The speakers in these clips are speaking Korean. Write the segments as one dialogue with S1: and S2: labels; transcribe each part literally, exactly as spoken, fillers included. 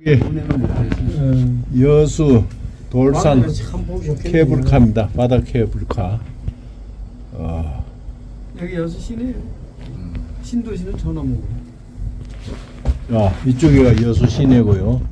S1: 예, 여수 돌산 케이블카입니다. 바다 케이블카. 어,
S2: 여기 여수 시내예요. 신도시는 전화무고.
S1: 아, 이쪽이 여수 시내고요.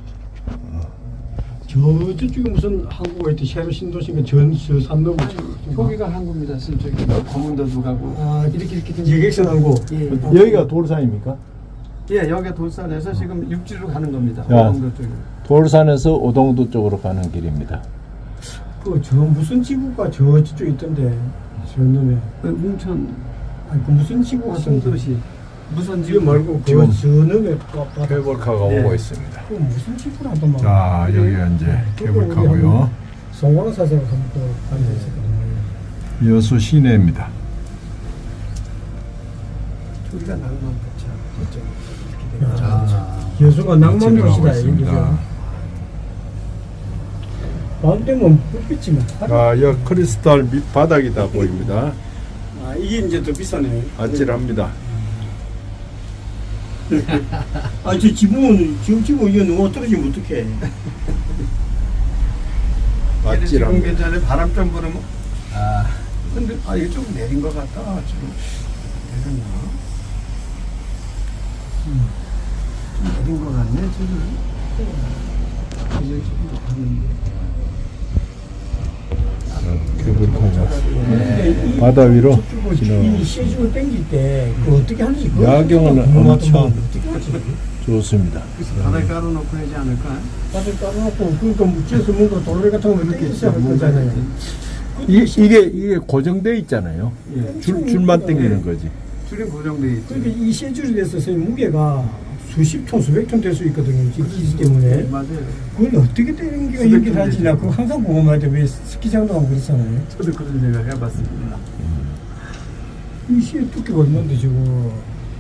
S3: 저 저쪽에 무슨 항구가 있대. 새로 신도시가 전수 산넘어.
S2: 거기가 항구입니다. 저기 검은도도 가고.
S3: 아,
S2: 이렇게 이렇게 된
S3: 예객선 항구.
S2: 예.
S1: 여기가 돌산입니까?
S2: 예, 여기가 돌산에서 지금 육지로 가는 겁니다.
S1: 야.
S2: 오동도 쪽으로.
S1: 돌산에서 오동도 쪽으로 가는 길입니다.
S3: 그 저 무슨 지구가 저 저쪽 있던데. 저 놈에.
S2: 그 웅천
S3: 아니 그 무슨 지구 같은데.
S2: 신도시 무슨
S3: 지금
S2: 지금
S3: 말고
S1: 지금
S3: 그저 놈에 바다.
S1: 케이블카가
S2: 네.
S1: 오고 있습니다.
S3: 그 무슨 지구라더만.
S1: 자, 여기가 이제 케이블카고요.
S3: 송광사에서 한번 다녔었거든요.
S1: 여수 시내입니다.
S2: 저기가 낭만포차 저쪽.
S3: 아, 여수가 낭만
S1: 지나가고
S3: 도시다
S1: 있습니다.
S3: 여기죠. 밤 되면 불빛이면.
S1: 아, 여기 크리스탈 밑바닥이다 보입니다.
S3: 아, 이게 이제 더 비싸네.
S1: 아찔합니다.
S3: 아, 저 지붕은, 지금 지붕 이거 누가 떨어지면 어떡해.
S2: 지금
S1: 아찔합니다.
S2: 괜찮아요. 바람 좀 불으면. 아. 근데 아 이거 좀 내린 것 같다. 지금 내렸나? 음. 좀 내린 것 같네 지금. 이제 조금 더 가는데.
S1: 케이블카가 바다 위로
S3: 이
S1: 지나가고
S3: 시중을 땡길 때, 그 어떻게 하는지. 그거
S1: 야경은
S3: 궁금하더만.
S1: 엄청
S3: 어떻게 하지?
S1: 좋습니다.
S2: 그래서 바닥에 깔아놓고 하지 않을까?
S3: 다들 깔아놓고, 그러니까 묻혀서 뭔가 돌레 같은 거 이렇게 있어야 할 거잖아요.
S1: 이, 이게 이게 고정돼 있잖아요.
S2: 예.
S1: 줄 줄만 당기는 거지.
S2: 줄이 고정돼 있죠.
S3: 그러니까 이 세 줄이 돼서 선생님 무게가 수십 톤, 수백 톤 될 수 있거든요. 지금 기지 때문에.
S2: 네, 맞아요.
S3: 그걸 어떻게 되는 게
S2: 수백
S3: 연기를
S2: 톤
S3: 하지? 나
S2: 되죠.
S3: 그거 항상 궁금할 때 왜 스키장도 가고 그렇잖아요.
S2: 저도 그런 생각 해봤습니다.
S3: 이 시의 두께가 얼마인데 저거.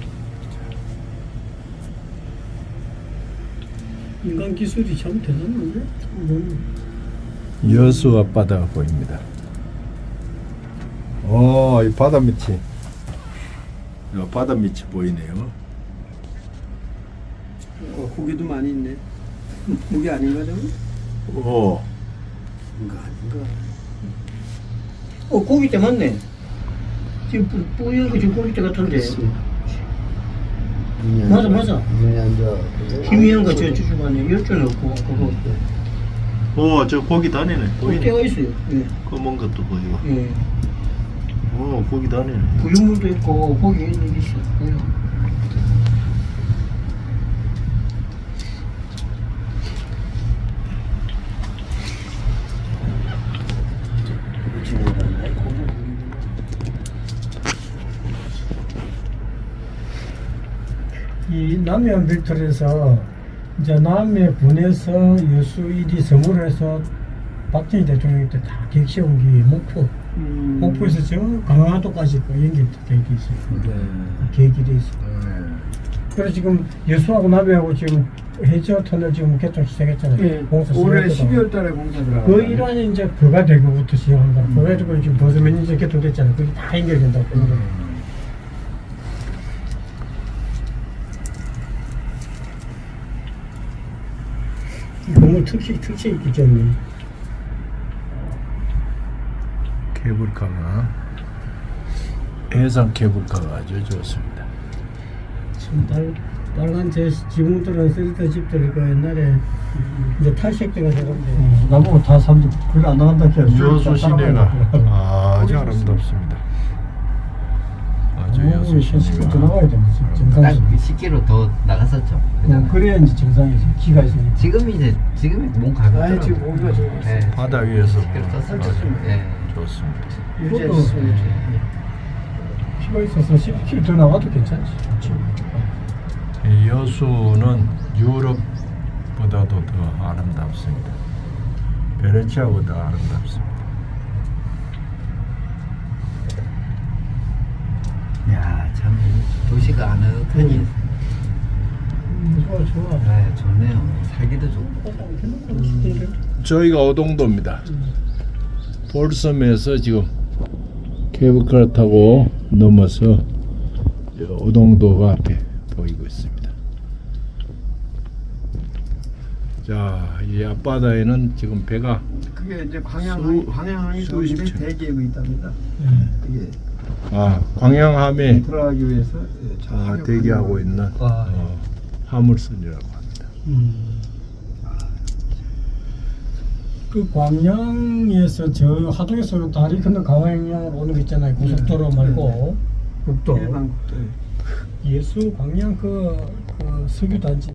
S3: 인간 기술이 참 대단한데? 이건
S1: 여수 앞바다가 보입니다. 어, 이 바다 밑이 어, 바다 밑이 보이네요.
S2: 어, 고기도 많이 있네. 고기 아닌가 저거?
S1: 어,
S2: 이거 아닌가?
S3: 어, 고기대 맞네. 지금 뿌- 뿌연 거 지금 고기대 같은데. 맞아, 맞아. 희미한 거 저 주주간에 열줄 없고, 그거.
S1: 어, 저 고기 다니네.
S3: 고기대가 있어요. 예.
S1: 검은 것도 보이고.
S3: 예.
S1: 어, 고기 다니네.
S3: 부유물도 있고, 고기 있는 게 있어요. 이 남해안 벡터에서 이제 남해 군에서 여수 일이 선물을 해서 박정희 대통령 때 다 객시온 게 목포.
S2: 음.
S3: 목포에서 저 강화도까지 그 연결돼 있어요.
S2: 네.
S3: 계획이 돼 있어요. 그래서 지금 여수하고 남해하고 지금 해저 터널 지금 개통 시작했잖아요.
S2: 예.
S3: 공사
S2: 올해
S3: 시작했거든.
S2: 십이월 달에 공사 들어가.
S3: 그 일환이 이제 그가 대교부터 시작한 거야.
S2: 음.
S3: 그래가지고 지금 벌써 몇 년째 개통됐잖아요. 그게 다 연결된다고.
S2: 음.
S3: 너무 특색, 특색 있기 때문에.
S1: 케이블카가 해상 케이블카가 아주 좋습니다.
S3: 참 빨, 빨간 제 지붕들은 쓰리터 집들 그 옛날에 이제 탈색대가 되는데 나보고 다 사람들 그게 안 나간다 해서
S1: 여수 시내가 아주 아름답습니다. 아주 여수
S3: 십 킬로미터
S1: 시내가
S3: 나가야 돼. 정상에서.
S4: 딱 십 킬로미터 더 나갔었죠.
S3: 어,
S4: 그잖아요.
S3: 그래야 이제 정상에서 기가 있으니까.
S4: 지금 이제 지금이 몸 가볍더라고요.
S2: 아니, 지금 몸이 좋아요.
S4: 예.
S1: 바다 위에서
S4: 십 킬로미터 떴었죠.
S1: 아주
S4: 예.
S1: 좋습니다.
S2: 유지했어요.
S3: 기가 있어서 십 킬로미터 더 나가도 괜찮지. 좋지.
S1: 이 여수는 유럽보다도 더 아름답습니다. 베네치아보다 아름답습니다.
S4: 야, 참 도시가 아늑하니
S3: 음, 좋아 좋아.
S4: 네, 좋네요. 살기도 좋고.
S1: 저희가 오동도입니다. 돌섬에서 지금 케이블카 타고 넘어서 오동도가 앞에 보이고 있습니다. 자, 이 앞바다에는 지금 배가
S2: 그게 이제 광양
S1: 수-
S2: 광양항이
S1: 수십
S2: 수십
S1: 층.
S2: 대기하고 있답니다.
S3: 네.
S2: 이게
S1: 아 광양함에
S2: 들어가기 위해서 예, 저
S1: 아,
S2: 하객
S1: 대기하고
S2: 관광.
S1: 있는
S3: 아,
S1: 어, 화물선이라고 합니다.
S3: 음. 그 광양에서 저 하동에서 다리 건너 광양으로 오는 거 있잖아요. 고속도로
S2: 네.
S3: 말고 국도.
S2: 일반 국도에.
S3: 예수 광양 그, 그 석유 단지